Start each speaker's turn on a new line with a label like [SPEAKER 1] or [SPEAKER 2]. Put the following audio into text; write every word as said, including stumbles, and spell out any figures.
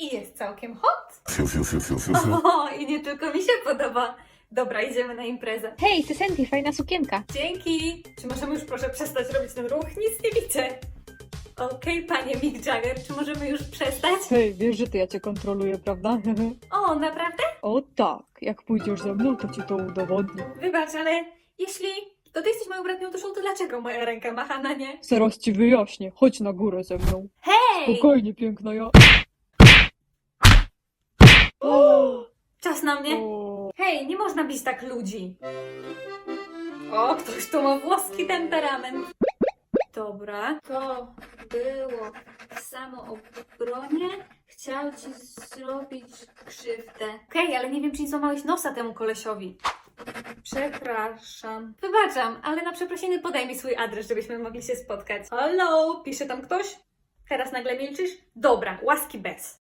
[SPEAKER 1] i jest całkiem hot.
[SPEAKER 2] Fiu, fiu, fiu, fiu, fiu, fiu.
[SPEAKER 1] O, i nie tylko mi się podoba. Dobra, idziemy na imprezę.
[SPEAKER 3] Hej, ty Sandy, fajna sukienka.
[SPEAKER 1] Dzięki! Czy możemy już proszę przestać robić ten ruch? Nic nie widzę. Okej, panie Mick Jagger, czy możemy już przestać?
[SPEAKER 3] Hej, wiesz, że to ja cię kontroluję, prawda?
[SPEAKER 1] O, naprawdę?
[SPEAKER 3] O tak, jak pójdziesz ze mną, to ci to udowodnię.
[SPEAKER 1] Wybacz, ale jeśli to ty jesteś moją bratnią duszą, to dlaczego moja ręka macha na nie?
[SPEAKER 3] Zaraz ci wyjaśnię, chodź na górę ze mną.
[SPEAKER 1] Hej!
[SPEAKER 3] Spokojnie, piękna ja.
[SPEAKER 1] Czas na mnie.
[SPEAKER 3] O,
[SPEAKER 1] Hej, nie można bić tak ludzi. O, ktoś tu ma włoski temperament. Dobra, to było w samoobronie. Chciał ci zrobić krzywdę. Okej, okay, ale nie wiem, czy nie złamałeś nosa temu kolesiowi. Przepraszam. Wybaczam, ale na przeprosiny podaj mi swój adres, żebyśmy mogli się spotkać. Halo, pisze tam ktoś? Teraz nagle milczysz? Dobra, łaski bez.